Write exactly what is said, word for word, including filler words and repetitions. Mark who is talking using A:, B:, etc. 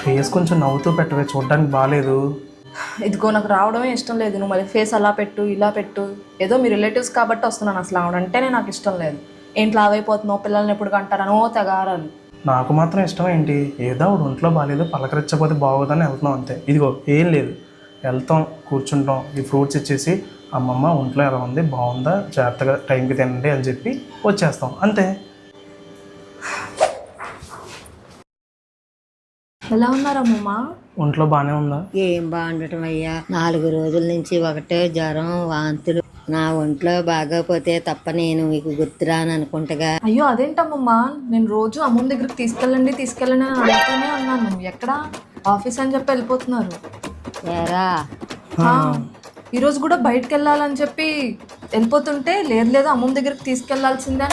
A: Face కొంచెం నవ్వుతూ పెట్టవే, చూడడానికి బాగాలేదు.
B: ఇదిగో నాకు రావడమే ఇష్టం లేదు. నువ్వు మళ్ళీ ఫేస్ అలా పెట్టు ఇలా పెట్టు. ఏదో మీ రిలేటివ్స్ కాబట్టి వస్తున్నాను. అసలు ఆవిడంటేనే నాకు ఇష్టం లేదు. ఏంటి లావైపోతున్నావు, పిల్లల్ని ఎప్పుడు కంటారనో తెగారాలు.
A: నాకు మాత్రం ఇష్టం ఏంటి, ఏదో ఆవిడ ఒంట్లో బాగాలేదు, పలకరించకపోతే బాగోదని వెళ్తున్నాం అంతే. ఇదిగో ఏం లేదు, వెళ్తాం, కూర్చుంటాం, ఈ ఫ్రూట్స్ ఇచ్చేసి అమ్మమ్మ ఒంట్లో ఎలా ఉంది, బాగుందా, జాగ్రత్తగా టైంకి తినండి అని చెప్పి వచ్చేస్తాం అంతే.
B: ఎలా ఉన్నారమ్మమ్మ?
A: ఒంట్లో బాగానే ఉందా?
C: ఏం బాగుండటం అయ్యా, నాలుగు రోజుల నుంచి ఒకటే జ్వరం, వాంతులు. నా ఒంట్లో బాగోపోతే తప్ప నేను మీకు గుర్తురాను అనుకుంటగా.
B: అయ్యో అదేంటమ్మమ్మ, నేను రోజు అమ్మమ్మ దగ్గరికి తీసుకెళ్ళండి తీసుకెళ్ళండి అని అడుగుతూనే ఉన్నాను. ఎక్కడ ఆఫీస్ అని చెప్పి వెళ్ళిపోతున్నారు.
C: ఏరా
B: ఈరోజు కూడా బయటకు వెళ్ళాలని చెప్పి వెళ్ళిపోతుంటే లేదు లేదు అమ్మమ్మ దగ్గరికి తీసుకెళ్లాల్సిందే